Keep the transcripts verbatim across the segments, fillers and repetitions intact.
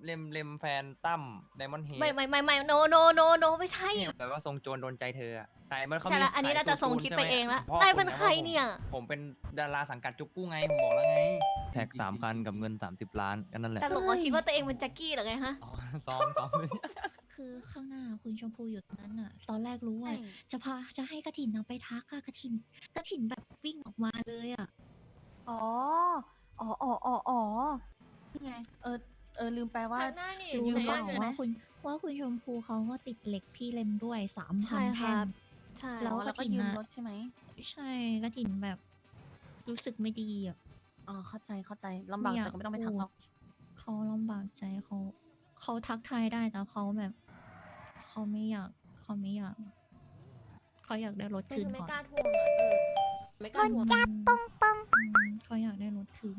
เลมเลมแฟนตั้มไดมอนด์เฮดไม่ไม่ไม่ไม่โนโนโนโนไม่ใช่แบบว่าทรงโจรโดนใจเธออะแต่มันเขาใช่มีละอันนี้ขยน่าจะทรงสูตคิดใช่ไปหมเองละพ่อได้คุเป็นณะใครว่าผมเนี่ยผมเป็นดาราสังกัดจุกกู้ไงผมบอกแล้วไงแท็กสามคันกับเงินสามสิบล้านก็นั่นแหละแต่หลงว่าคิดว่าตัวเองเป็นแจ็คกี้เหรอไงฮะอ๋อซ้อมซ้อมคือข้างหน้าคุณชมพูอยู่ตรงนั้นน่ะ ตอนแรกรู้ว่าใช่จะพาจะให้กระถินเอาไปทักอะกระถินกระถินแบบวิ่งออกมาเลยอะอ๋อ อ๋ออ๋ออ๋ออ๋อนี่ไง เออ เออ ลืมไปว่าทางหน้านี่รู้อยู่หรือในเปล่าบ้านใช่ไหมว่าคุณว่าคุณชมพูเขาก็ติดเหล็กพี่เลมด้วยสามพัใช่นคแท่รังบ ใช่แล้อ๋วอ แล้วก็กฐินยืมน่ะรถใช่ไหมใช่กระถินแบบรู้สึกไม่ดีอะอ๋อ เข้าใจ เข้าใจ ลำบากใจก็ไม่ต้องไปทักหรอกเขาลำบากใจเขาเขาทักทายได้แต่เขาแบบเขาไม่อยากเขาไม่อยากเขาอยากได้รถไม่คืนไม่ก่อนกล้าทวงอ่ะเออไม่กล้าทวงจับป้องป้องเขาอยากได้รถคืน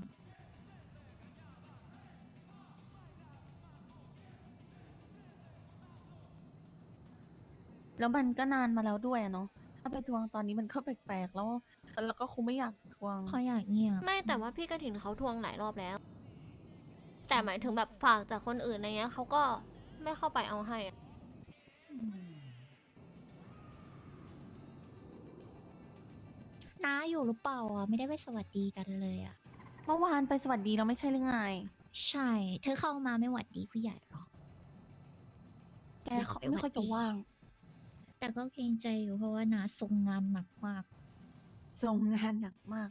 แล้วมันก็นานมาแล้วด้วยอะเนาะ ถ้าไปทวงตอนนี้มันก็แปลกๆ แล้ว แล้วก็คงไม่อยากทวงเขาอยากเงียบไม่แต่ว่าพี่กระถินเขาทวงหลายรอบแล้ว แต่หมายถึงแบบฝากจากคนอื่นอะไรเงี้ยเขาก็ไม่เข้าไปเอาให้อะน้าอยู่หรือเปล่าอ่ะไม่ได้ไปสวัสดีกันเลยอ่ะเมื่อวานไปสวัสดีเราไม่ใช่หรือไงใช่ เธอเข้ามาไม่หวัดดีผู้ใหญ่หรอแกเขาไม่ค่อยจะว่างแต่ก็เกรงใจอยู่เพราะว่านาทรงงานหนักมากส่งงานหนักมาก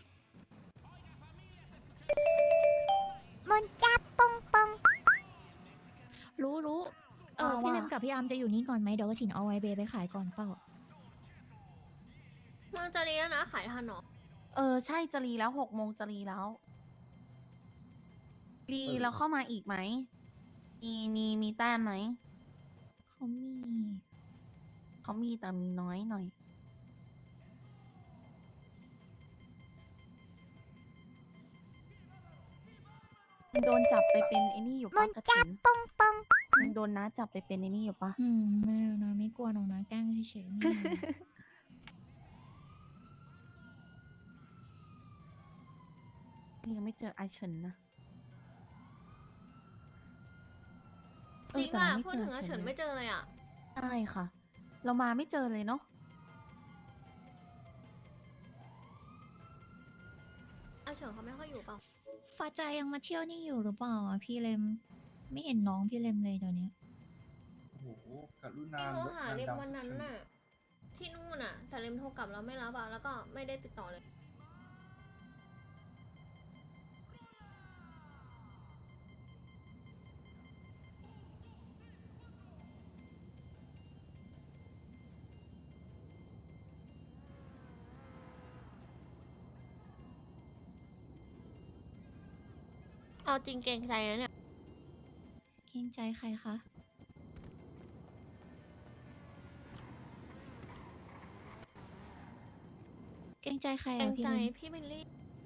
มันจับปองปองรู้รู้เออว่าพี่เลมว่ากับพี่อาร์มจะอยู่นี่ก่อนไหมเดี๋ยวกระถินเอาไวเบไปขายก่อนเปล่าเมืองจะรีแล้วนะขายทันเหรอเออ ใช่จะรีแล้วหกโมงจะรีแล้ว รีแล้วเข้ามาอีกไหม มีมีมีแต้มไหมเขามีเขามีแต่มีน้อยหน่อย มันโดนจับไปเป็นไอ้นี่อยู่ปะกระถินปองปองมันโดนน้าจับไปเป็นไอ้นี่อยู่ปะอืมไม่เอานะไม่กลัวหรอกนะแกล้งเฉยๆไม่เอานี่ยังไม่เจอไอเฉินนะ เอจอริงแต่อ่ะเราไม่พูดเจถึองอาเฉิเฉินนเลไม่ยเจอเลยอ่ะใช่ค่ะ เรามาไม่เจอเลยเนาะอาเฉินเขาไม่ค่อยอยู่เปล่าฟ้าใจยังมาเที่ยวนี่อยู่หรือเปล่าอ่ะพี่เลม ไม่เห็นน้องพี่เลมเลยเดี๋ยวนี้โอ้โหกรุณาพี่โทรหาเลมวันนั้นน่ะ ที่นู่นน่ะ แต่เลมโทรกลับแล้วไม่รับอ่ะแล้วก็ไม่ได้ติดต่อเลย เอาจริงเกรงใจนะเนี่ยเกรงใจใครคะ เกรงใจใครเกรอ่ะงพี่ใจเลมพี่บิลลี่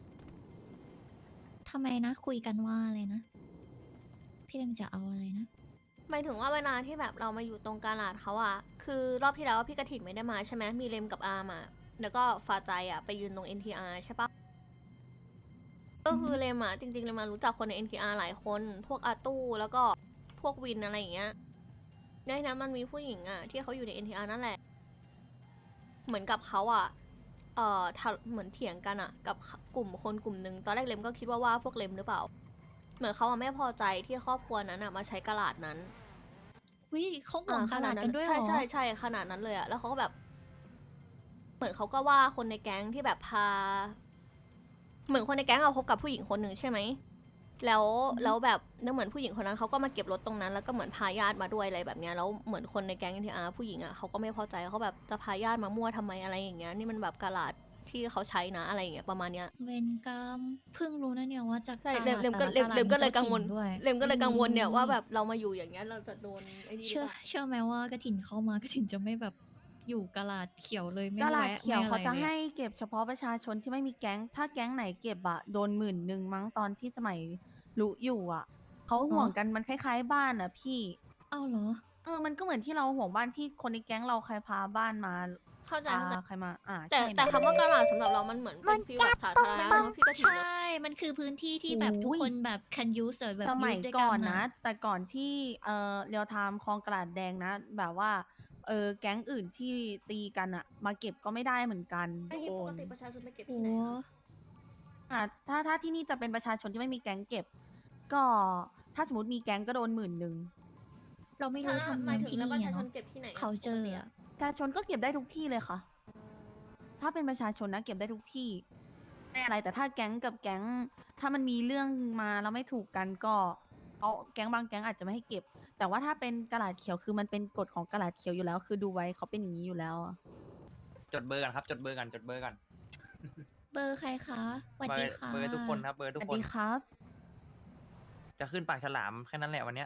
ทำไมนะ คุยกันว่าอะไรนะ พี่เลมจะเอาอะไรนะหมายถึงว่าเวลาที่แบบเรามาอยู่ตรงกาลาดเขาอะคือรอบที่แล้วพี่กระถิ่นไม่ได้มาใช่ไหมมีเลมกับอาร์มาแล้วก็ฟาใจอะไปยืนตรง เอ็น ที อาร์ ใช่ปะก็คือเลมอะจริงๆเลมมารู้จักคนใน เอ็น ที อาร์ หลายคน พวกอาตู้แล้วก็พวกวินอะไรอย่างเงี้ยในนั้นมันมีผู้หญิงอะที่เขาอยู่ใน เอ็น ที อาร์ นั่นแหละ เหมือนกับเขาอะเอ่อทะเหมือนเถียงกันอะกับกลุ่มคนกลุ่มหนึ่งตอนแรกเลมก็คิดว่าว่าพวกเลมหรือเปล่า เหมือนเขาอะไม่พอใจที่ครอบครัวนั้นอะมาใช้กาลาดนั้นวิเขาห่วงอ่ขนาดกันด้วยเหรใช่อใช่ใช่ขนาดนั้นเลยอะแล้วเขาก็แบบ เหมือนเขาก็ว่าคนในแก๊งที่แบบพา เหมือนคนในแก๊งเอาคบกับผู้หญิงคนหนึ่งใช่ไหม แล้วแล้วแบบแล้วเหมือนผู้หญิงคนนั้นเขาก็มาเก็บรถตรงนั้น แล้วก็เหมือนพาญาติมาด้วยอะไรแบบเนี้ยแล้วเหมือนคนในแก๊งทีอาร์ผู้หญิงอะเขาก็ไม่พอใจเขาแบบจะพาญาติมามั่วทำไมอะไรอย่างเงี้ยนี่มันแบบกาลาดที่เขาใช้นะอะไรอย่างเงี้ยประมาณเนี้ยเวนกรรมเพิ่งรู้นะเนี่ยว่าจากใช่ตาเลมเลมก็แต่เลมละเลมก็เลยมีกังวลจ้าถิ่นด้วยเลมก็เลยกังวลเนี่ยอืมว่าแบบเรามาอยู่อย่างเงี้ยเราจะโดนไอ้นี่หรือเชื่อเปล่าเชื่อไหมว่ากระถินเข้ามากระถินจะไม่แบบอยู่กะลาดเขียวเลยไม่กาลาดแวะเขียวไม่อเขาไรจะลยให้เก็บเฉพาะประชาชนที่ไม่มีแก๊ง ถ้าแก๊งไหนเก็บอะโดนหมื่นหนึ่งมั้งตอนที่สมัยรู้อยู่อะเขาห่วงกันมันคล้ายๆบ้านอะพี่เอ้าเหรอเออ มันก็เหมือนที่เราห่วงบ้านที่คนในแก๊งเราใครพาบ้านมาเข้าใจอ่าเข้าใจใครมา อ่าแต่ใช่แต่คำว่ากระดาษสำหรับเรามันเหมือนเป็นฟีลแบบสาธารณะเนอะพี่กระถิ่นใช่ มันคือพื้นที่ที่แบบทุกคนแบบ can use อะแบบสมัย use ด้วยก่อนอะนะ แต่ก่อนที่เอ่อเรียวไทม์คลองกระดาษแดงนะ แบบว่าเออแก๊งอื่นที่ตีกันอะมาเก็บก็ไม่ได้เหมือนกันไอ้ที่โอปกนติประชาชนไปเก็บโอ้ที่ไหนอะอ่ะถ้าถ้าที่นี่จะเป็นประชาชนที่ไม่มีแก๊งเก็บ ก็ถ้าสมมติมีแก๊งก็โดนหมื่นหนึ่งเราไม่รู้ถ้าทำหเนีมายยมถึงที่แล้วนี่ประชาอะชนเนาะเก็บที่ไหนอะเขาเจอปกติอะประชาชนก็เก็บได้ทุกที่เลยค่ะ ถ้าเป็นประชาชนนะเก็บได้ทุกที่ไม่อะไร แต่ถ้าแก๊งกับแก๊ง ถ้ามันมีเรื่องมาแล้วไม่ถูกกันก็เขาแก๊งบางแก๊งอาจจะไม่ให้เก็บ แต่ว่าถ้าเป็นกระดาษเขียวคือมันเป็นกฎของกระดาษเขียวอยู่แล้ว คือดูไว้เขาเป็นอย่างนี้อยู่แล้วอะจดเบอร์กันครับ จดเบอร์กันจดเบอร์กันเบอร์ใครคะสวัสเบอดีร์ค่ะเบอร์ทุกคนครับ เบอร์สทุกวัสคนดีครับจะขึ้นปากฉลามแค่นั้นแหละวันเนี้ย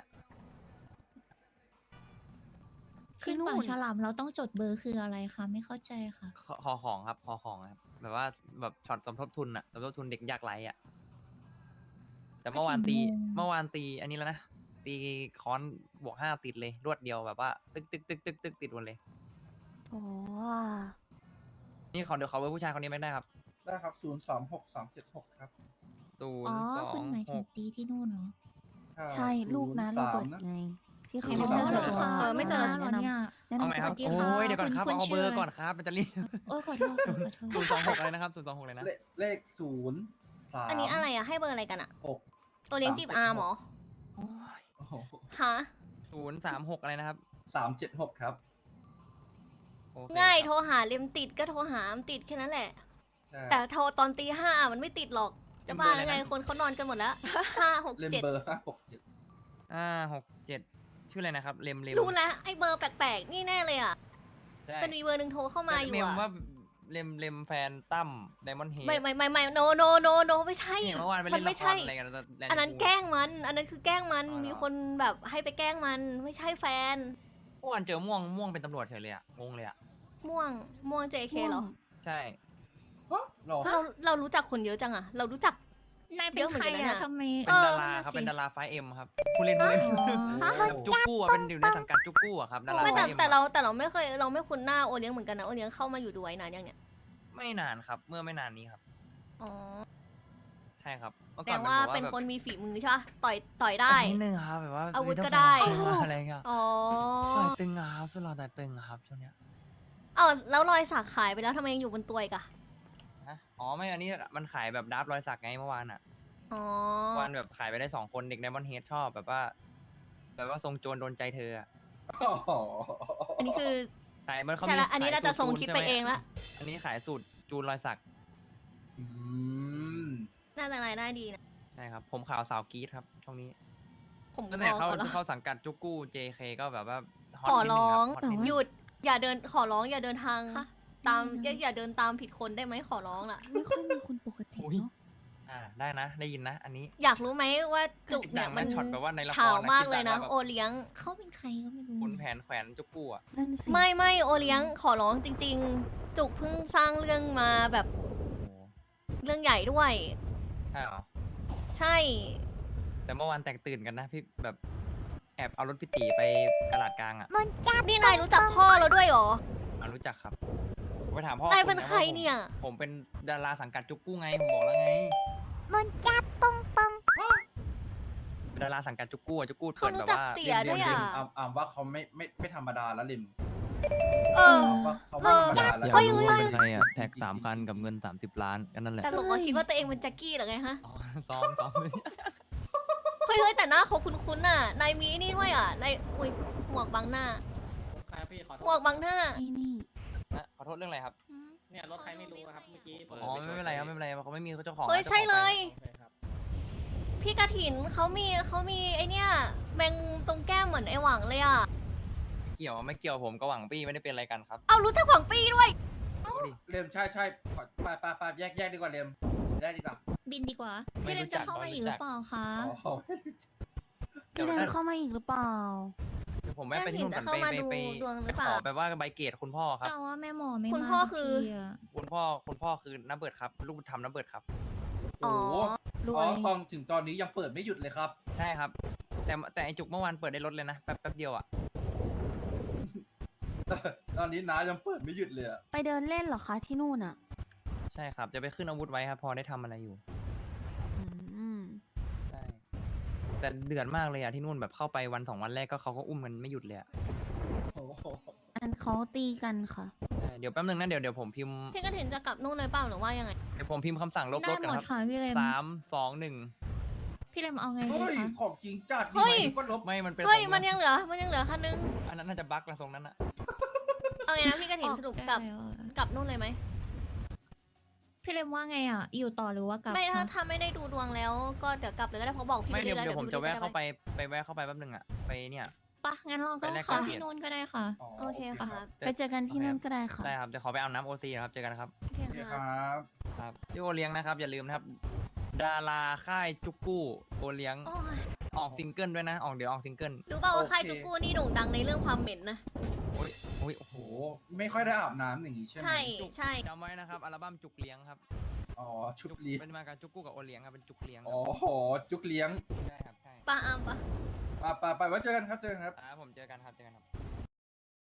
ขึ้นที่นู่ปากนฉลามเราต้องจดเบอร์คืออะไรคะ ไม่เข้าใจค่ะขอขอของครับขอของครับ แบบว่าแบบช็อตสมทบทุนอะสมทบทุนเด็กยากไร้อะแต่เมื่อวานตีก็ถึงงงเมื่อวานตีอันนี้แล้วนะ ตีค้อนบวกห้าติดเลย รวดเดียวแบบว่า ตึกตึกตึกตึกตึกติดหมดเลยโอ้นี่ขอเดี๋ยวขอเบอร์ผู้ชายคนนี้ไม่ได้ครับได้ครับ ศูนย์ สอง หก สอง เจ็ด หก ครับศูนอ๋อย์สอคุณงหมายหถึงกตีที่นู่นเหรอใช่ลูกนะโรเบิร์ตไง ที่เขาไม่บเจอกอว่าเหรอเออไม่เจอแนะเหรอนำเนี่ยแนะเอานำไหมครับสวัสดีค่ะโอ้ยเดี๋ยวก่อนครับคุณเอาคุณเบอชื่อร์อะไรก่อนครับ มันจะรีบโอ้ยขอโทษค่ะขอโทษศูนย์สองหกอะไรนะครับศูนย์สองหกเลยนะเลขเลขศูนย์สามอันนี้อะไรอะให้เบอร์อะไรกันอะหกตัวเลี้ยงจีบอาร์มเหรอโอ้ยโอ้โหฮะศูนย์สามหกอะไรนะครับสามเจ็ดหกครับโอเคง่ายครับโทรหาเลมติดก็โทรหาอามติดแค่นั้นแหละใช่แต่โทรตอนตีห้ามันไม่ติดหรอก จะบ้าแล้วไงคนเขานอนกันหมดแล้วห้าหกเลมเจ็ดเบอร์ห้าหกเจ็ดอ่าหกเจ็ดชื่ออะไรนะครับ เลมเลมรู้แล้วไอ้เบอร์แปลกๆ นี่แน่เลยอ่ะใช่เป็นมีเบอร์หนึ่งโทรเข้ามาอยู่เมมอ่ะว่าเลมเลมแฟนตั้มไดมอนด์เฮดไม่ไม่ไม่ไม่โนโนโนโนไม่ใช่เนี่ยเมื่อวานไปมัเล่นไม่ละคใช่รอะไรกันแลนด์อันนั้นพูลแกล้งมัน อันนั้นคือแกล้งมันอ๋อเหรอมีคนแบบให้ไปแกล้งมัน ไม่ใช่แฟนเมื่อวานเจอม่วงม่วงเป็นตำรวจเฉยเลยอะงงเลยอะม่วง ม่วง เจ เค เหรอใช่ฮะหรอเราเรารู้จักคนเยอะจังอะเรารู้จักนายเป็เยนอะเหมืใคอนรกันนะอะทำไมเอเป็นอดาราครับนั่นน่ะสิเป็นดาราไฟเอ็มครับผู้เล่นผู้เล่นอ๋อจุกกู้อะเป็นอยู่ในสังกัดจุกกู้อะครับดาราไม่แต่ไฟเอ็มแต่เราแต่เราไม่เคยเราไม่คุ้นหน้าโอเลี้ยงเหมือนกันนะโอเลี้ยงเข้ามาอยู่ด้วยนานยังเนี่ยไม่นานครับ เมื่อไม่นานนี้ครับอ๋อใช่ครับเมื่อแสก่ดอนงมันว่าบอกว่าเป็นแบบคนมีฝีมือใช่ปะต่อยต่อยได้นิดนึงครับแบบว่าอาวุธมีก็ทั้งได้แฟนอะไรเงี้ยอ๋อต่อยตึงอะครับสุดหล่อต่อยตึงอะครับช่วงเนี้ยเอ้าแล้วรอยสักขายไปแล้วทำไมยังอยู่บนตัวอีกอะฮะอ๋อไม่อันนี้มันขายแบบดับรอยสักไงเมื่อวานอะอ๋อเมื่อวานแบบขายไปได้สองคนเด็กไดมอนด์เฮดชอบแบบว่า แบบว่าทรงโจรโดนใจเธออะอ๋ออันนี้คือขายมันเขาใช่มีละอันนี้ขายน่าจะสูตรส่งจูนคลิปใช่ไปหมเองละอันนี้ขายสูตรจูนรอยสักอืมน่าจะรายได้ดีนะใช่ครับ ผมข่าวสาวกรีดครับช่วงนี้ผมตั้งแต่ขอเข้าขอร้องเข้าสังกัดจุกกู้ เจ เค ก็แบบว่าฮตขอนิดนึร้องคบฮตนิดนึงหยุด อย่าเดินขอร้องอย่าเดินทางค่ะตามอืมอย่าอย่าเดินตามผิดคนได้ไหมขอร้องล่ะไม่ค่อยมีคนปกติอุ๊ยเนาะอ่าได้นะ ได้ยินนะ อันนี้อยากรู้ไหมว่าจุกเนี่ยดังนะมันช็อตแบบว่าในละครนะข่าวมากเลยนะคิดแบบว่าโอเลี้ยงเขาเป็นใครก็ไม่รู้คุณแผนแขวนจุกกู้อ่ะนั่นสิไม่ไม่โอเลี้ยงขอร้องจริง ๆ จุกเพิ่งสร้างเรื่องมาแบบโอ้โหเรื่องใหญ่ด้วยใช่เหรอใช่แต่เมื่อวานแตกตื่นกันนะพี่แบบแอบเอารถพี่ตีไปกระดาษกลางอ่ะมันจับนี่นายรู้จักพ่อเราด้วยเหรออ่ารู้จักครับผมไปถามพ่อนานายเป็นใครเนี่ยผมเป็นดาราสังกัดจุกกู้ไงผมบอกแล้วไงมันจับปองปองเป็นดาราสังกัดจุกกู้อะจุกกู้เขาเปิดรู้แบบจักว่าเตี๋ยด้วยลิอ่ะมอามอามว่าเขาไม่ไม่ไม่ธรรมดาแล้วลิมเอออามว่าเขาไม่ธรรมดาแล้วอยากเฮ้ยรู้เฮ้ยว่าเป็นใครอ่ะ แท็กสามคันกับเงินสามสิบล้านก็นั่นแหละแต่หลงว่าคิดว่าตัวเองเป็นแจ็คกี้เหรอไงฮะอ๋อซ้อมซ้อมเฮ้ยเฮ้ยแต่หน้าเขาคุ้นๆน่ะ นายมีนี่ด้วยอ่ะ นาย อุ้ย หมวกบังหน้าครับพี่ขอโทหมวกษบังหน้าไอ้นี่นะขอโทษเรื่องอะไรครับอืมเนี่ยรถใครไม่รู้ครับเมื่อกี้เปิดอ๋อปไม่ชเป็นไรครับไม่เป็นไรเขาไม่มีเจ้าของเฮ้ยนะใช่เลยโอเคครับพี่กระถินเขามีเขามีไอเนี้ยแมงตรงแก้มเหมือนไอหวังเลยอ่ะเกี่ยวไม่เกี่ยวผมกับหวังปี้ไม่ได้เป็นอะไรกันครับเอารู้จักหวังปีด้วยดูดิเลมใช่ใช่ขอไปไปไปแยกแยกดีกว่าเลมแยกดีกว่าบินดีกว่าไม่พี่เลรู้มจัจะกเข้ามาไม่อีกรู้หจัรืกอเปล่าคะอ๋อพี่เดินเข้ามาอีกหรือเปล่าเดี๋ยวผมแวะไปที่นู่นก่อนจะเข้าไปมาไปดูไปดวงหไปรือเปขล่าอแบบว่าใบเกตคุณพ่อครับแต่ว่าแม่หมอไม่คุณมาพ่อสักคือทีะคุณพ่อคุณพ่อคือน้าเบิร์ดครับ ลูกบุญธรรมน้าเบิร์ดครับอ๋อโอ้โหรอ๋วอย ตอนถึงตอนนี้ยังเปิดไม่หยุดเลยครับใช่ครับ แต่แต่ไอจุกเมื่อวานเปิดได้รถเลยนะแป๊บแป๊บเดียวอ่ะตอนนี้น้ายังเปิดไม่หยุดเลยอะไปเดินเล่นเหรอคะที่นู่นอ่ะใช่ครับ จะไปขึ้นอาวุธไว้ครับ พอได้ทำอะไรอยู่อืมใช่ แต่เดือดมากเลยอะที่นู่นแบบเข้าไปวันสองวันแรกก็เขาก็อุ้มกันไม่หยุดเลยอะโอ้โหอันเขาตีกันค่ะใช่เดี๋ยวแป๊บนึงนะเดี๋ยวเดี๋ยวผมพิมพ์พี่กระถินจะกลับนู่นเลยเปล่าหรือว่ายังไงเดี๋ยวผมพิมพ์คำสั่งลบได้รถกันหมดครับค่ะพี่เลมสามสองหนึ่งพี่เลมเอาไงดีเฮ้ยคะของจริงจัดเฮ้ยดีไหมก็ลบไม่มันเป็นเฮ้ยของมันยังเหลือ มันยังเหลือคันนึงอันนั้นน่าจะบั๊กละทรงนั้นอะเอาไงนะพี่กระถินสรุปกลับได้แล้วอะกลับนู่นเลยไหมพี่เลมว่าไงอ่ะ อยู่ต่อหรือว่ากลับไม่ถ้าคะถ้าไม่ได้ดูดวงแล้ว ก็เดี๋ยวกลับเลยก็ได้เพราะบอกพี่ไม่เดี๋ยวแล้วเดี๋ยวผมพี่จะแวะด้เข้าไปไปแวะเข้าไปแป๊บนึงอะไปเนี่ยปะงั้นเราก็ไปแลกเข้าเกียรติที่นู่นก็ได้ค่ะโอเคค่ะไปเจอกันที่นู่นก็ได้ค่ะได้ครับจะขอไปอาบน้ำโอซีครับ เจอกันนะครับโอเคโอเคคค่ะรับครับที่โอเลี้ยงนะครับ อย่าลืมนะครับ ดาราค่ายจุกกู้โอเลี้ยงโอ้ยออกซิงเกิลด้วยนะ ออกเดี๋ยวออกซิงเกิลรู้เปล่าว่าค่ายจุกกูนี่โด่งดังในเรื่องความเหม็นนะโอ้ยโอ้ยโอ้โหโห ไม่ค่อยได้อาบน้ำอย่างนี้ใช่ไหมใช่ใช่จำไว้นะครับ อัลบั้มจุกเลี้ยงครับอ๋อ ชุดเลี้ยงเป็นมากับจุกกู้กับโอเลี้ยงครับ เป็นจุกเลี้ยงคอ๋รัอบ โห จุกเลี้ยงใช่ครับ ใช่ปาอามปะไปไปไปไว้เจอกันครับ เจอกันครับอ่าผมเจอกันครับ เจอกันครับ